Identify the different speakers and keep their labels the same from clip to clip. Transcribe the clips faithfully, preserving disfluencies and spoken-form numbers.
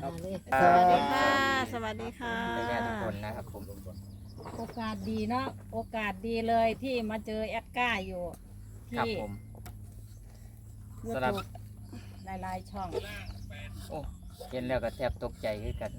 Speaker 1: ครับ
Speaker 2: สวัสดีค่ะ สวัสดีค่ะ
Speaker 3: แม่ทุกคนนะครับผม
Speaker 1: โอกาสดีเนาะโอกาสดีเลยที่มาเจอแอดก้าอยู่
Speaker 3: ครับ
Speaker 1: ที่
Speaker 3: ผม
Speaker 1: ยู
Speaker 3: สำหรับ
Speaker 1: ทูบหลายๆช่อง
Speaker 3: โอ้เห็นแล้วก็แทบตกใจขึ้นกัน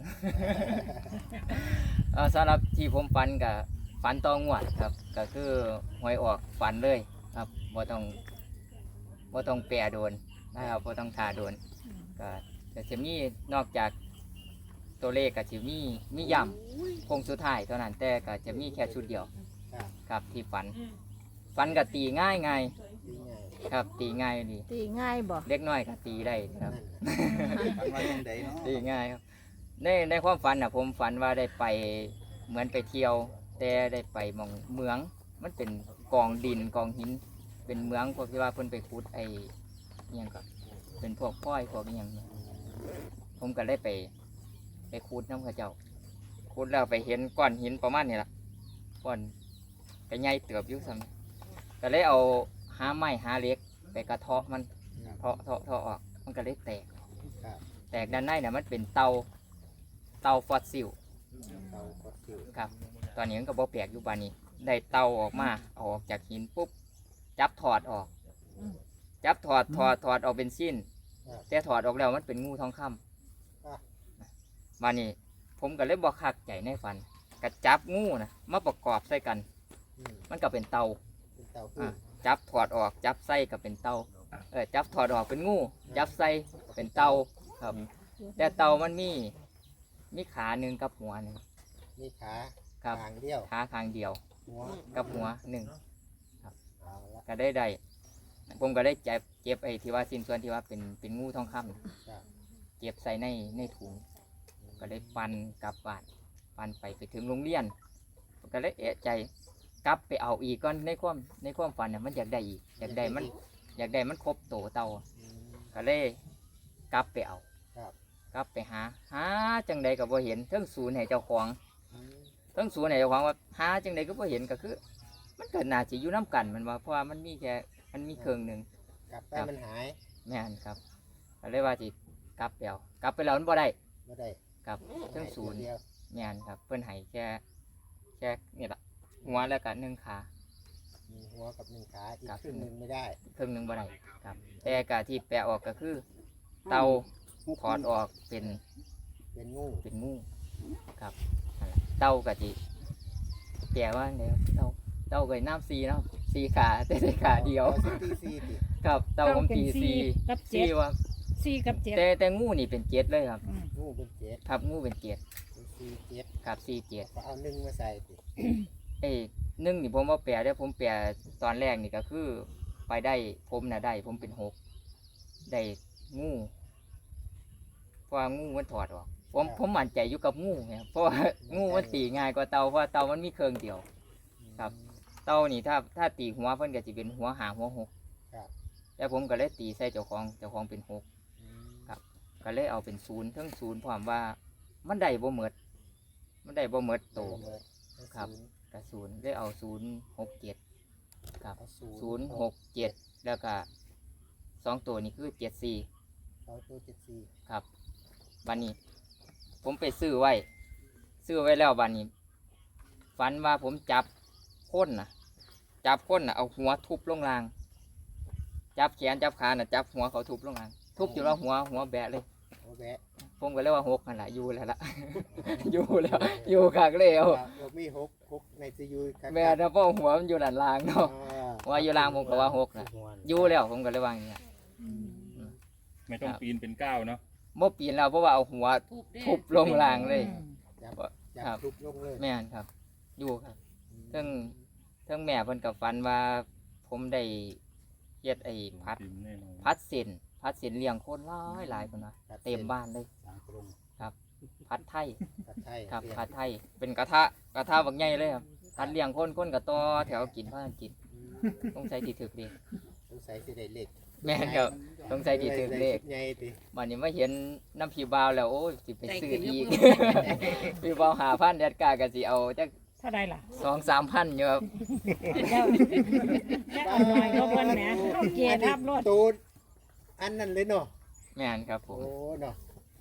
Speaker 3: เอ่อสำหรับที่ผมฝันกับฝันตองวดครับ ก็คือหวยออกฝันเลยครับบ่ต้องบ่ต้องแปรโดนนะครับบ่ต้องทาโดนก็ก็จะมีนอกจากตัวเลขก็จะมีมีย่ำคงสุดท้ายเท่านั้นแต่ก็จะมีแค่ชุดเดียวครับที่ฝันฝันก็ตีง่ายง่ายครับตีง่ายดี
Speaker 2: ตีง่ายบ่
Speaker 3: เล็กน้อยก็ตีได้ครับ
Speaker 4: ฝันว่าจังไดเนาะ
Speaker 3: ตีง่ายครับในในความฝันอ่ะผมฝันว่าได้ไปเหมือนไปเที่ยว แต่ได้ไปหมองเมือง มันเป็นกองดินกองหิน เป็นเมืองพวกที่ว่าเพิ่นไปขุดไอ้อิหยังก็เป็นพวกพ้อยพวกอิหยังเนี่ยผมก็ได้ไป ไปขุดน้ำเข้าเจ้าขุดแล้วไปเห็นก้อนหินประมาณนี้ล่ะก้อนก็ใหญ่เติบอยู่ซ้ำก็เลยเอาหาไม้หาเหล็กไปกระเทาะมันเทาะเทาะเทาะออกมันก็เลยแตก แตกด้านในเนี่ยมันเป็นเตาเตาฟอสซิลครับ ตอนนี้มันก็บ่แปลกอยู่ปานนี้ได้เตาออกมาเอาออกจากหินปุ๊บจับถอดออก จับถอดถอดถอดออกเป็นชิ้นแต่ถอดออกแล้วมันเป็นงูทองคำมานี่ผมก็เลยบ่คักใจในฝันก็จับงูนะมาประกอบใส่กัน มันก็เป็นเตาอ่ะจับถอดออกจับใส่ก็เป็นเตาเออจับถอดออกเป็นงูจับใส่เป็นเตาครับ แต่เตามันมีมีขาหนึ่งกับหัวหนึ่ง
Speaker 4: มีขา
Speaker 3: ครับ
Speaker 4: ทางเดียว
Speaker 3: ขาข้างเดียว
Speaker 4: หัว
Speaker 3: กับหัวหนึ่ง
Speaker 4: เอาละ
Speaker 3: ก็ได้ได้ผมก็ได้เจ็บเจ็บไอ้ที่ว่าสิ้นส่วนที่ว่าเป็นเป็นงูทองคำน่ะ
Speaker 4: ครับ
Speaker 3: เก็บใส่ในในถุง ก็ได้ปันกลับบ้านปันไปไปถึงโรงเรียนก็เลยเอะใจกลับไปเอาอีกก่อนในความในความฝันเนี่ยมันอยากได้อีกอยากได้มันอยากได้มันครบโตเตา
Speaker 4: อืม
Speaker 3: ก็เลยกลับไปเอา
Speaker 4: ครับ
Speaker 3: กลับไปหาหาจังใดก็บ่เห็นเทิงศูนย์ให้เจ้าของ
Speaker 4: อืม
Speaker 3: เทิงศูนย์ให้เจ้าของว่าหาจังใดก็บ่เห็นก็คือ มันเกิดน่าจะอยู่น้กันมันว่าเพราะว่ามันมีแค่มันมีเครื่องหนึ่ง
Speaker 4: กลับไป
Speaker 3: ครับ
Speaker 4: มันหาย
Speaker 3: แม่นครับก็เลยว่าสิกลับไปเอากลับไปแล้วมันบ่ได้
Speaker 4: ไม่ได้
Speaker 3: ครับเทิงศูนย์
Speaker 4: เดียว
Speaker 3: แม่นครับเพิ่นให้แค่แค่นี่ล่ะหัวแล้วก็หนึ่งขา
Speaker 4: มีหัวกับหนึ่งขาอีก
Speaker 3: ครับ
Speaker 4: ครึ่งหนึ่งไม่ได้
Speaker 3: เครื่องหนึงบ่ได้ครับ แต่กะที่แปะออกก็คือ เตาถอดออกเป็น
Speaker 4: เป็นงู
Speaker 3: เป็นงูครับนั่นล่ะเต้ากะจิแปลว่าไงครับเต้าเต้าก็น้ำซีเนาะซีขาแต่ได้ขาเดียว
Speaker 4: อาสิตีสี่ติ
Speaker 3: ครับเต้าผมตีซี
Speaker 1: กับเจ็
Speaker 3: ซี
Speaker 1: ด
Speaker 3: ว่า
Speaker 1: สี่กับเจ็ด
Speaker 3: แต่แต่งูนี่เป็นเจ็ดเลยครับ
Speaker 1: อืม
Speaker 4: งูเป็นเจ็ด
Speaker 3: ครับงูเป็นเจ็ด
Speaker 4: เป็นสี่เจ็ด
Speaker 3: ครับซีเจ็ด
Speaker 4: ก็เอาหนึ่งมาใส่ติ
Speaker 3: เอ้ยหนึ่งนี่ผมว่าแปลได้ผมแปลตอนแรกนี่ก็คือ ไปได้ผมน่ะได้ ผมเป็นหกได้งูเพราะว่างูมันถอดออก ผมผมมั่นใจอยู่กับงูเนี่ยเพราะว่างูมันตีง่ายกว่าเตาเพราะว่าเตามันมีเครื่องเดียว ครับ เตานี่ถ้าถ้าตีหัวเพิ่นก็จะเป็นหัวหาหัวหก
Speaker 4: ครับ
Speaker 3: แต่ผมก็เลยตีใส่เจ้าของเจ้าของเป็นหก
Speaker 4: อืม
Speaker 3: ก็เลยเอาเป็นศูนย์ทั้งศูนย์พร้อมว่ามันได้บ่หมดมันได้บ่หมดโต
Speaker 4: เบิด
Speaker 3: ครับ กับศูนย์ได้เอาศูนย์หกเจ็ดครับ
Speaker 4: เอาศู
Speaker 3: ศูน
Speaker 4: น
Speaker 3: ย์
Speaker 4: ย์
Speaker 3: หกเจ็ดแล้วก็สองตัวนี้คือเจ็ดสี่
Speaker 4: เอาตัวเจ็ดสี่
Speaker 3: ครับบันนี้ ผมไปซื้อไว้ ซื้อไว้แล้วบันนี้ฝันว่าผมจับค้นน่ะ จับค้นน่ะเอาหัวทุบลงราง จับแขนจับขาน่ะจับหัวเขาทุบลงราง ทุบอยู่แล้วหัวหัวแบะเลย
Speaker 4: โอ้แบะ
Speaker 3: ผมก็เลยว่าหกนั่นแหละอยู่แล้วล่ะ อยู่แล้วอยู่ขากเลยเอา
Speaker 4: เรามีหกหกในซียูครับ
Speaker 3: แม่นะพ่อหัวมันอยู่ด้านล่างเนาะ
Speaker 4: อ่า
Speaker 3: ว่าอยู่ล่างผมก็ว่าหกน่ะอยู่แล้วผมก็เลยว่าอย่างเงี้ย
Speaker 5: ไม่ต้องปีนเป็นก้าวเนาะ
Speaker 3: เมื่อปีนแล้วเพราะว่าเอาหัวทุบลงรางเลย
Speaker 4: จับ
Speaker 3: ครั
Speaker 4: จั
Speaker 3: บ
Speaker 4: บทุบลงเลย
Speaker 3: แม่นครับ อยู่ครับเทั้งเทั้งแม่เพิ่นกับฝันว่า ผมได้เฮ็ดไอ้พัด
Speaker 5: ปีนแน่นอน
Speaker 3: พัดเส้นพัดเส้นเลี้ยงคนหลายหลายคนนะเต็มบ้านเลย
Speaker 4: สามกรง
Speaker 3: พัดไทย
Speaker 4: ผัดไทย
Speaker 3: ครับ
Speaker 4: เรียก
Speaker 3: พัดไทย เป็นกระทะกระทะบักใหญ่เลยครับพัดเลี้ยงคนคนกับต่อแถวกินพากันกิน
Speaker 4: อืม
Speaker 3: ต้องใช้ที่ถึกดี
Speaker 4: สงสัยสิได้เล็ก
Speaker 3: แม่นครับต้องใช้ที่ถึกเลข
Speaker 4: ใหญ่ติ
Speaker 3: วันนี้มาเห็นน้ำผีบาวแล้วโอ้ยสิไปซื้ออีก พี่บาวหาพันแดดกาก็สิเอาจัก
Speaker 1: เท่าไรล่ะ
Speaker 3: สองสามพันอยู่ครับ
Speaker 1: แล้วแล้วเอาหน่อยก็เพิ่นแหมเอาเกียร์ทับรถ
Speaker 4: ตูดอันนั้นเลยเนาะ
Speaker 3: แม่นครับผ
Speaker 4: โอ้
Speaker 3: ม
Speaker 4: เนาะอัน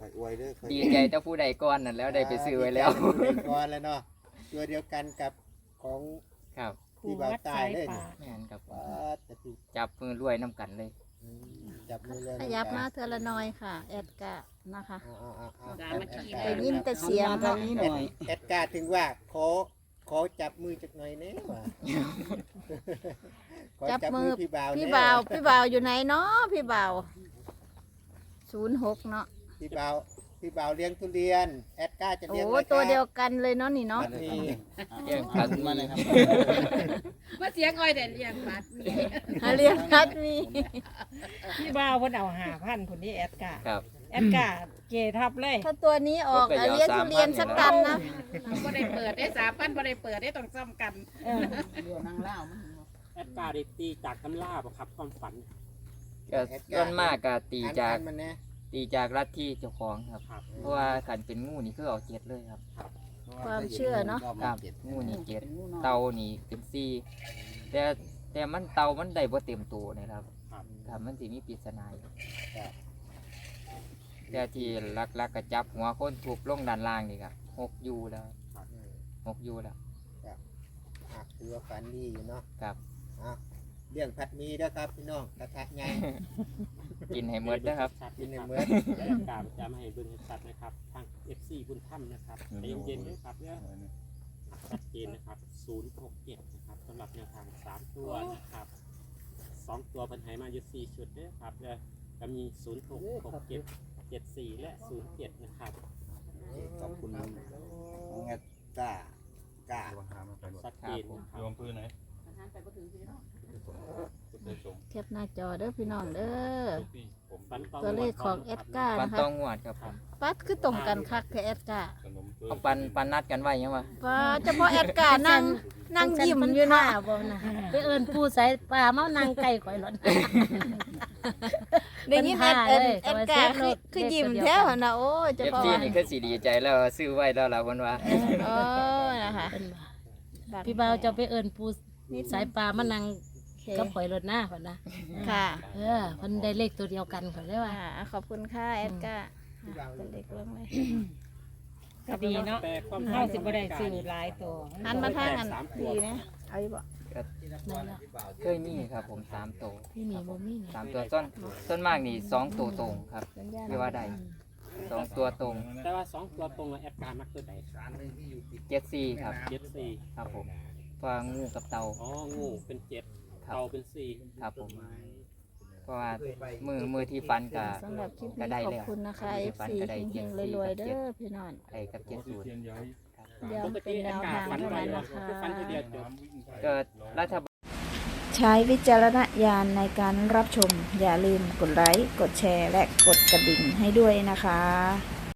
Speaker 4: อยอวยเด้อคอย
Speaker 3: ดีใจเจ้าผู้ใดก่อนนั่นแล้วได้ไปซื้อไว้แล้ว
Speaker 4: ดีใจกับผู้ใดก่อนแล้วเนาะตัวเดียวกันกับของ
Speaker 3: ครับ
Speaker 4: ที่บ่าวตายเลยนี่
Speaker 3: แม่นครับผม
Speaker 4: ว้าแต่ที่
Speaker 3: จับมือรวยน้ำกันเลย
Speaker 4: อืมจับมือเลย
Speaker 2: ขยับมาเทอละน้อยค่ะ แอดกะนะคะ
Speaker 4: เอาเอาเอา
Speaker 1: ดา
Speaker 4: เอา
Speaker 1: มาขี่
Speaker 2: ได้ยินแต่เสียง
Speaker 6: ทางนี้หน่อย
Speaker 4: แอดการ์ถึงว่าขอขอจับมือจักหน่อยแน่ว่าขอ
Speaker 2: จับมือ
Speaker 4: พี่บ่าว
Speaker 2: พี่
Speaker 4: แน่
Speaker 2: บ่าวพี่บ่าวอยู่ไหนเนาะพี่บ่าวศูนย์หกเนาะ
Speaker 4: พี่บ่าวพี่บ่าวเลี้ยงทุเรียนแอดการ์จะ
Speaker 2: โอ้
Speaker 4: เลี้ยงไครับ
Speaker 2: ตัวเดียวกันเลยเนาะนี่เนาะ
Speaker 4: นี่
Speaker 3: เลี้ยงพัน
Speaker 6: มาเลยครับ
Speaker 1: มาเสียงอ้อยแต่เลี้ยงปัด
Speaker 2: หาเรียนรัดมี
Speaker 1: พี่บ่าวเพิ่นเอาห้าพันคนนี้แอดกา
Speaker 3: ครับ
Speaker 1: แอดกาเกทับเลย
Speaker 2: ถ้าตัวนี้ออกอ่ะเรียนทุเรียนสักตันนะ
Speaker 1: บ่ได้เปิดได้สามพันบ่ได้เปิดได้ต้องซ้ำกัน
Speaker 6: เรือนางเล่ามัน
Speaker 7: แอดการ์ได้ตีจากตำราบ่ครับความฝัน
Speaker 3: ก็ส่วนมากก็ตี
Speaker 4: อ่าน
Speaker 3: จาก
Speaker 4: อ่านมันนะ
Speaker 3: ตีจากลัทธิเจ้าของครับ
Speaker 7: ครับ
Speaker 3: เพราะว่าขันเป็นงูนี่คือเอาเจ็ดเลยครับ
Speaker 2: ความเชื่อเนาะ
Speaker 3: ครับงูนี่เจ็ดเตานี่เป็นสี่แต่แต่มันเตามันได้บ่เต็มตัวนะครับ
Speaker 7: ครับ
Speaker 3: ครับมันสิมีปริศนาอยู่แต่ที่ลักๆกระจับหัวคนถูกลงด้านล่างนี่ครับหกยูแล้ว
Speaker 4: อืม
Speaker 3: หกยูแล้ว
Speaker 4: อ่ะถือว่าฝันดีอยู่เนาะ
Speaker 3: ครับ
Speaker 4: อ่ะเรื่องผัดหมีเด้อครับพี่น้องกระทะใหญ่
Speaker 3: กินให้หมดนะครับ
Speaker 7: ชัด
Speaker 4: กินใน
Speaker 7: นะครับ
Speaker 4: เมื่อ
Speaker 7: แอดการ์จะมาให้เบิ่งให้ชัดนะครับ ทาง เอฟ ซี บุญถ้ำนะครับใจเย็นๆด้วยครับเนี่ยชัดเจนนะครับศูนย์หกเจ็ดนะครับสำหรับแนวทางสามตัวนะครับสองตัวเพิ่นให้มาอยู่สี่ชุดเด้อครับเนี่ยก็มีศูนย์หก หกเจ็ด เจ็ดสี่และศูนย์เจ็ดนะครับ
Speaker 4: ขอบคุณงัดตากา
Speaker 7: ชัดเจนนะค
Speaker 5: โย
Speaker 7: รับ
Speaker 5: มพื้นไหนพุทธสงฆ์
Speaker 2: แคปหน้าจอเด้อพี่น้องเด้อ
Speaker 5: ทุกที่ผม
Speaker 7: ฝัน
Speaker 2: ตัวเลขของแอดการ์
Speaker 3: ปัน
Speaker 2: นะคะ
Speaker 3: ต้องงวดครับผม
Speaker 2: ปัดคือตรงกันคักแค่แอดการ์
Speaker 5: ขนมเปื้อ
Speaker 3: เอาปันปันนัดกันไว้ยังวะ
Speaker 2: ป้าเฉพาะแอดการ์นั่งนั่งยิ้มอยู่เนาะ
Speaker 8: บ่นะไปเอิ้นผู้ใส่ปลาเมานางไก่ข่อยหล่น
Speaker 2: ได้ยินแอดแอดแอดการ์คือคือยิ้มแท้วนะโอ้ยเฉ
Speaker 3: เอฟ
Speaker 2: พาะ
Speaker 3: ซีนี่คือสีดีใจแล้วซื้อไว้แล้วล่ะวันว่า
Speaker 2: โอ้นะคะ
Speaker 8: เพิ่นว่าพี่บ่าวเจะไปเอิ้นผู้สายปลามานาง
Speaker 2: โอเค
Speaker 8: กับข่อยหล่นหน้าเพิ่นนะ
Speaker 2: ค่ะ
Speaker 8: เออเพิ่นได้เลขตัวเดียวกันข่อยเลยว่า
Speaker 2: อ่าขอบคุณค่ะแอดการ์เป็นเด็กเรื่องเลย
Speaker 1: ก็ดีเนาะ
Speaker 7: แต่ความ
Speaker 1: เฮาสิบ่ได้ซื้อหลายตัว
Speaker 2: หันมาทางอันดีนะเอาอยู่บ่
Speaker 8: นั่นล่ะ
Speaker 3: เคยมีครับผมสามตัว
Speaker 8: พี่มีบ่มีนี่
Speaker 3: สามตัวต้นต้นมากนี่สองตัวตรงครับ
Speaker 2: สัญญาณ
Speaker 3: ที่ว่าได้สองตัวตรง
Speaker 7: แต่ว่าสองตัวตรงกับแอดการ์มักตัวใด
Speaker 3: เจ็ดสี่ครับ
Speaker 7: เจ็ดสี่
Speaker 3: ครับผมเพราะว่างูกับเตา
Speaker 7: อ๋องูเป็นเจ็ด
Speaker 3: ครับ
Speaker 7: เตาเป็นสี่
Speaker 3: ครับผมเพราะว่ามือมือที่ฟันกับ
Speaker 2: สำหรับคลิป
Speaker 3: ก็
Speaker 2: นี้
Speaker 3: ได้
Speaker 2: ขอ
Speaker 3: แล้
Speaker 2: บ
Speaker 3: ว
Speaker 2: คุณนะคะ
Speaker 3: มื
Speaker 2: เอ
Speaker 3: ที่
Speaker 2: ฟ
Speaker 3: ฟัน
Speaker 2: ซี
Speaker 3: ก็ได้
Speaker 2: เฮ
Speaker 3: เจ็ด
Speaker 2: ง
Speaker 3: สี่
Speaker 2: ๆรวยๆ
Speaker 3: กับ
Speaker 2: เด้
Speaker 3: เจ็ด
Speaker 2: อพี่น้อง
Speaker 3: ไอ้กับเจ็ด
Speaker 5: โอ้
Speaker 3: ศูนย์
Speaker 5: เทียนย้อย
Speaker 2: เดี๋ยว
Speaker 7: ปก
Speaker 2: เป็
Speaker 7: ติ
Speaker 2: นแน
Speaker 7: แอด
Speaker 2: ว
Speaker 7: การ์
Speaker 2: ทาง
Speaker 7: ฝัน
Speaker 2: เท่า
Speaker 7: ไว้
Speaker 2: นั้น
Speaker 7: ว่า
Speaker 2: นะคะ
Speaker 7: คือฝันทีเดียวจบ
Speaker 3: เกิดรัฐบาล
Speaker 2: ใช้วิจารณญาณในการรับชม อย่าลืมกดไลค์ กดแชร์ และกดกระดิ่งให้ด้วยนะคะ